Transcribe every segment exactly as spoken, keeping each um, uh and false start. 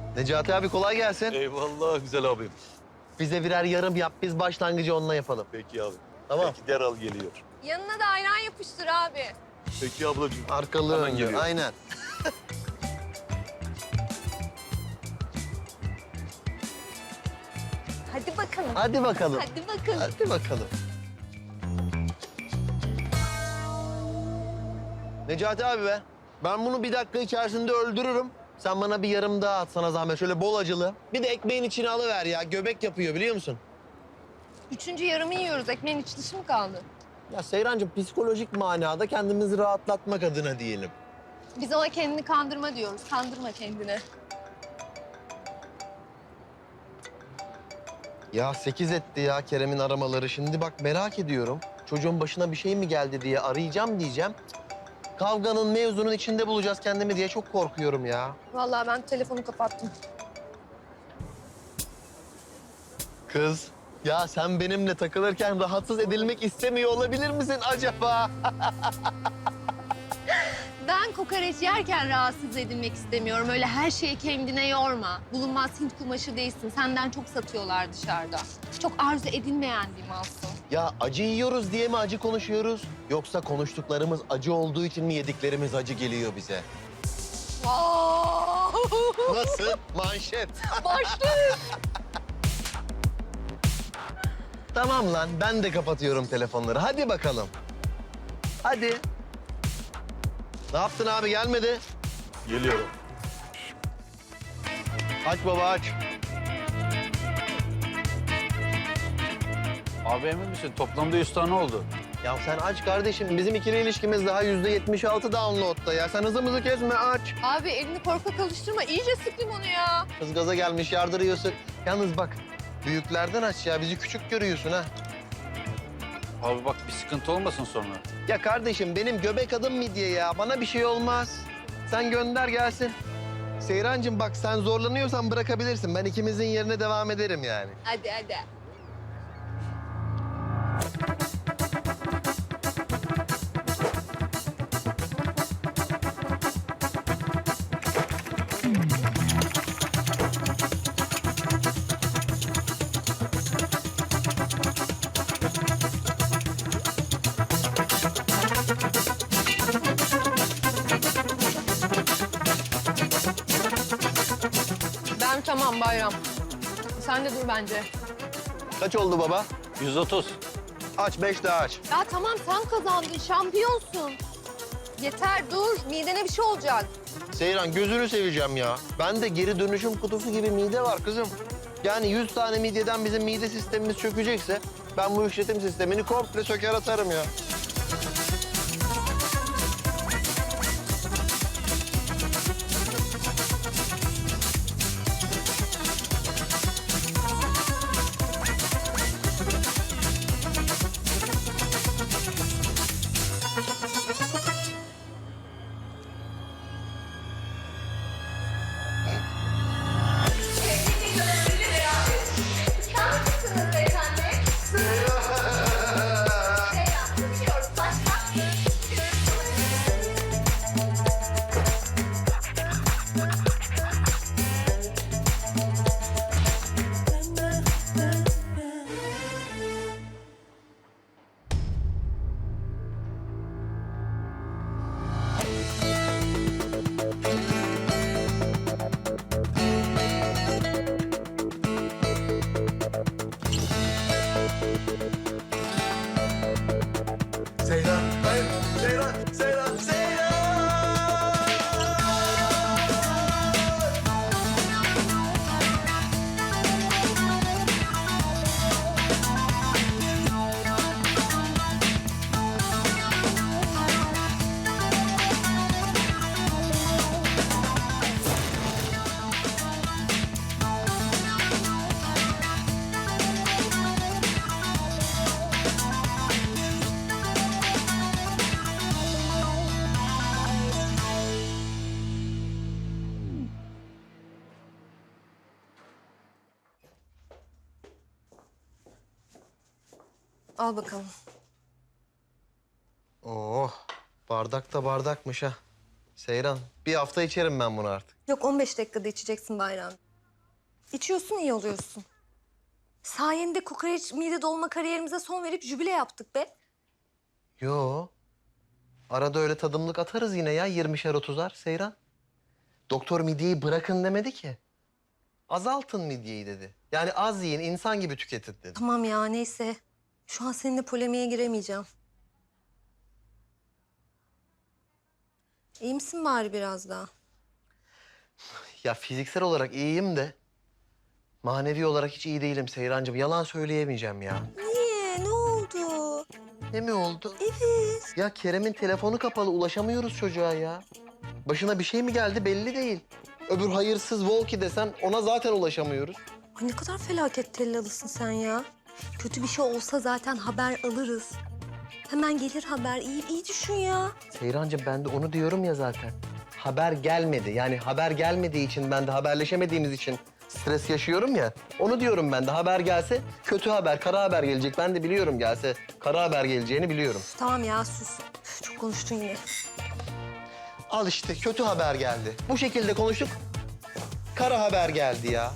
Necati abi kolay gelsin. Eyvallah güzel abim. Bize birer yarım yap, biz başlangıcı onunla yapalım. Peki abi. Tamam. Peki derhal geliyor. Yanına da ayran yapıştır abi. Peki ablacığım. Arkalı Hemen önlü, geliyor. aynen. Hadi bakalım. Hadi bakalım. Hadi bakalım. Hadi bakalım. Necati abi be, ben bunu bir dakika içerisinde öldürürüm. Sen bana bir yarım daha at sana zahmet, şöyle bol acılı. Bir de ekmeğin içine alıver ya, göbek yapıyor biliyor musun? Üçüncü yarımı yiyoruz. Ekmeğin iç dışı mı kaldı? Ya Seyrancığım, psikolojik manada kendimizi rahatlatmak adına diyelim. Biz ona kendini kandırma diyoruz. Kandırma kendini. Ya sekiz etti ya Kerem'in aramaları. Şimdi bak merak ediyorum. Çocuğun başına bir şey mi geldi diye arayacağım diyeceğim. Kavganın, mevzunun içinde bulacağız kendimi diye çok korkuyorum ya. Vallahi ben telefonu kapattım. Kız, ya sen benimle takılırken rahatsız edilmek istemiyor olabilir misin acaba? Ben kokoreç yerken rahatsız edilmek istemiyorum. Öyle her şeyi kendine yorma. Bulunmaz Hint kumaşı değilsin. Senden çok satıyorlar dışarıda. Çok arzu edilmeyen bir malsın. Ya acı yiyoruz diye mi acı konuşuyoruz? Yoksa konuştuklarımız acı olduğu için mi yediklerimiz acı geliyor bize? Nasıl? Manşet. Başlık. Tamam lan, ben de kapatıyorum telefonları. Hadi bakalım. Hadi. Ne yaptın abi, gelmedi? Geliyorum. Aç baba, aç. Abi emin misin? Toplamda yüz tane oldu. Ya sen aç kardeşim. Bizim ikili ilişkimiz daha yüzde yetmiş altı download'da ya. Sen hızımızı kesme, aç. Abi elini korkak alıştırma. İyice sık limonu ya. Kız gaza gelmiş, yardırıyorsun. Yalnız bak, büyüklerden aç ya. Bizi küçük görüyorsun ha. Abi bak bir sıkıntı olmasın sonra. Ya kardeşim, benim göbek adım midye ya. Bana bir şey olmaz. Sen gönder gelsin. Seyrancığım bak, sen zorlanıyorsan bırakabilirsin. Ben ikimizin yerine devam ederim yani. Hadi hadi. Ben tamam Bayram. Sen de dur bence. Kaç oldu baba? yüz otuz. Aç, beş daha aç. Ya tamam sen kazandın, şampiyonsun. Yeter dur, midene bir şey olacak. Seyran, gözünü seveceğim ya. Ben de geri dönüşüm kutusu gibi mide var kızım. Yani yüz tane midyeden bizim mide sistemimiz çökecekse... ben bu işletim sistemini komple söker atarım ya. Seyran, hayır. Seyran, Seyran, Seyran! Al bakalım. Oh, bardak da bardakmış ha. Seyran, bir hafta içerim ben bunu artık. Yok on beş dakikada içeceksin Bayram. İçiyorsun iyi oluyorsun. Sayende kokoreç mide dolma kariyerimize son verip jübile yaptık be. Yo. Arada öyle tadımlık atarız yine ya yirmişer otuzar Seyran. Doktor midyeyi bırakın demedi ki. Azaltın midyeyi dedi. Yani az yiyin, insan gibi tüketin dedi. Tamam ya neyse. Şu an seninle polemiğe giremeyeceğim. İyi misin bari biraz daha? Ya fiziksel olarak iyiyim de manevi olarak hiç iyi değilim Seyrancığım. Yalan söyleyemeyeceğim ya. Niye? Ne oldu? Ne mi oldu? Evet. Ya Kerem'in telefonu kapalı, ulaşamıyoruz çocuğa ya. Başına bir şey mi geldi belli değil. Öbür hayırsız Volki desen ona zaten ulaşamıyoruz. Ay ne kadar felaket tellalısın sen ya. Kötü bir şey olsa zaten haber alırız. Hemen gelir haber. İyi, iyi düşün ya. Seyrancığım ben de onu diyorum ya zaten. Haber gelmedi. Yani haber gelmediği için ben de haberleşemediğimiz için stres yaşıyorum ya. Onu diyorum ben de. Haber gelse kötü haber, kara haber gelecek. Ben de biliyorum gelse kara haber geleceğini biliyorum. Tamam ya sus. Üf, çok konuştun yine. Al işte kötü haber geldi. Bu şekilde konuştuk. Kara haber geldi ya.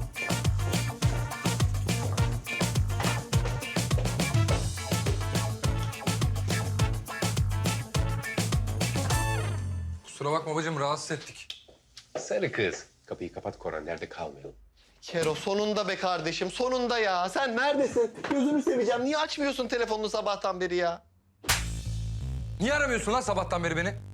Kusura bakma babacığım, rahatsız ettik. Sarı kız. Kapıyı kapat Koran, nerede kalmayalım. Kero sonunda be kardeşim, sonunda ya. Sen neredesin? Gözünü seveceğim. Niye açmıyorsun telefonunu sabahtan beri ya? Niye aramıyorsun lan sabahtan beri beni?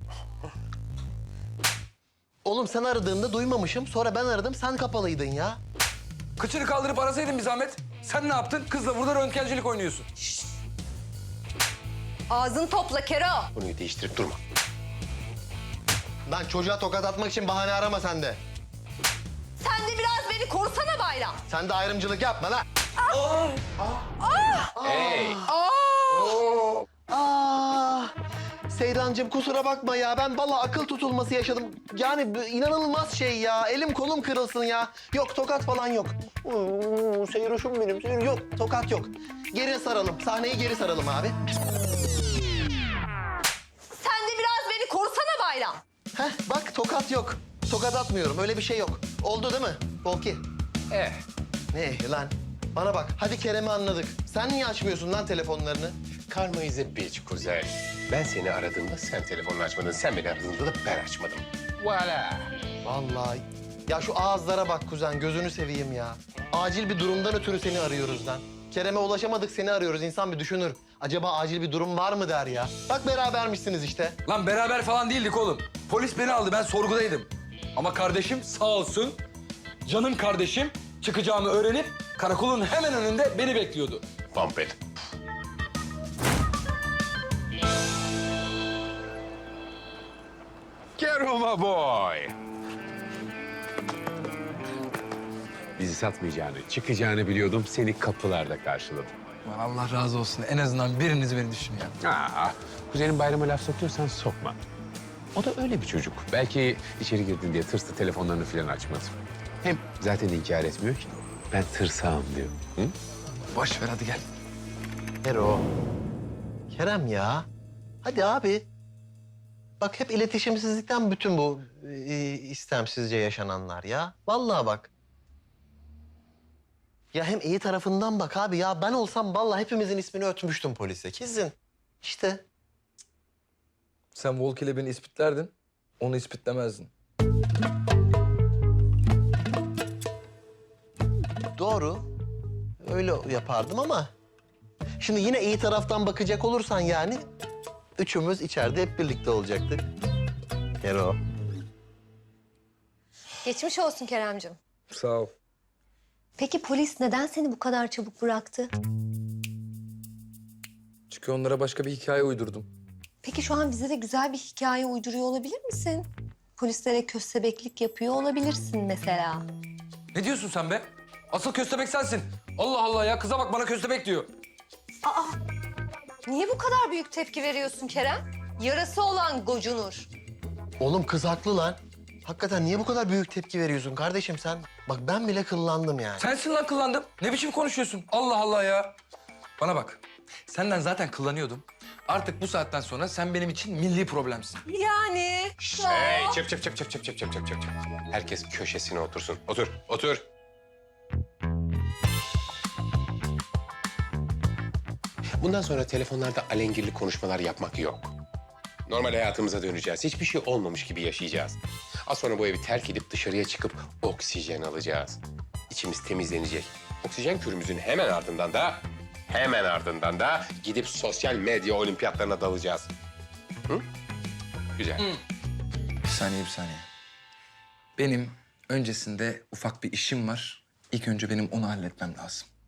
Oğlum sen aradığında duymamışım. Sonra ben aradım, sen kapalıydın ya. Kıçını kaldırıp arasaydın bir zahmet. Sen ne yaptın? Kızla burada röntgencilik oynuyorsun. Ağzını topla Kero. Konuyu değiştirip durma. Lan çocuğa tokat atmak için bahane arama sen de. Sen de biraz beni korusana Bayram. Sen de ayrımcılık yapma lan. Hey! Aa, Seyrancığım kusura bakma ya. Ben vallahi akıl tutulması yaşadım. Yani bu inanılmaz şey ya. Elim kolum kırılsın ya. Yok tokat falan yok. Oo, Seyroş'um benim. Seyro- Yok tokat yok. Geri saralım. Sahneyi geri saralım abi. Sen de biraz beni korusana Bayram. Heh bak tokat yok. Tokat atmıyorum. Öyle bir şey yok. Oldu değil mi Volki? Eh, Ne lan? Bana bak. Hadi Kerem'i anladık. Sen niye açmıyorsun lan telefonlarını? karma is a bitch kuzen. Ben seni aradığımda sen telefonunu açmadın, sen beni aradığında da ben açmadım. Voila! Vallahi. Ya şu ağızlara bak kuzen, gözünü seveyim ya. Acil bir durumdan ötürü seni arıyoruz lan. Kerem'e ulaşamadık, seni arıyoruz. İnsan bir düşünür. Acaba acil bir durum var mı der ya. Bak berabermişsiniz işte. Lan beraber falan değildik oğlum. Polis beni aldı, ben sorgudaydım. Ama kardeşim sağ olsun, canım kardeşim çıkacağımı öğrenip karakolun hemen önünde beni bekliyordu. Vampir. Keroma boy. Bizi satmayacağını, çıkacağını biliyordum. Seni kapılarda karşıladım. Aman Allah razı olsun. En azından biriniz beni düşün ya. Aa, kuzenin bayrama laf sokuyorsan sokma. O da öyle bir çocuk. Belki içeri girdin diye tırstı, telefonlarını falan açmadı. Hem zaten inkar etmiyor ki. Ben tırsağım diyor. Hı? Boş ver hadi gel. Ero. Kerem ya. Hadi abi. Bak hep iletişimsizlikten bütün bu e, istemsizce yaşananlar ya. Vallahi bak. Ya hem iyi tarafından bak abi ya. Ben olsam vallahi hepimizin ismini ötmüştüm polise. Kesin. İşte. Sen Volk ile beni ispitlerdin, onu ispitlemezdin. Doğru. Öyle yapardım ama... Şimdi yine iyi taraftan bakacak olursan yani... Üçümüz içeride hep birlikte olacaktık. Kero. Geçmiş olsun Keremcim. Sağ ol. Peki polis neden seni bu kadar çabuk bıraktı? Çünkü onlara başka bir hikaye uydurdum. Peki şu an bize de güzel bir hikaye uyduruyor olabilir misin? Polislere köstebeklik yapıyor olabilirsin mesela. Ne diyorsun sen be? Asıl köstebek sensin. Allah Allah ya, kıza bak bana köstebek diyor. Niye bu kadar büyük tepki veriyorsun Kerem? Yarası olan gocunur. Oğlum kız haklı lan. Hakikaten niye bu kadar büyük tepki veriyorsun kardeşim sen? Bak ben bile kıllandım yani. Sensin lan kıllandım. Ne biçim konuşuyorsun? Allah Allah ya. Bana bak. Senden zaten kullanıyordum. Artık bu saatten sonra sen benim için milli problemsin. Yani. Hey, çıp çıp çıp çıp çıp çıp çıp çıp çıp. Herkes köşesine otursun. Otur, otur. Bundan sonra telefonlarda alengirli konuşmalar yapmak yok. Normal hayatımıza döneceğiz. Hiçbir şey olmamış gibi yaşayacağız. Az sonra bu evi terk edip dışarıya çıkıp oksijen alacağız. İçimiz temizlenecek. Oksijen kürümüzün hemen ardından da... hemen ardından da gidip sosyal medya olimpiyatlarına dalacağız. Hı? Güzel. Bir saniye, bir saniye. Benim öncesinde ufak bir işim var. İlk önce benim onu halletmem lazım.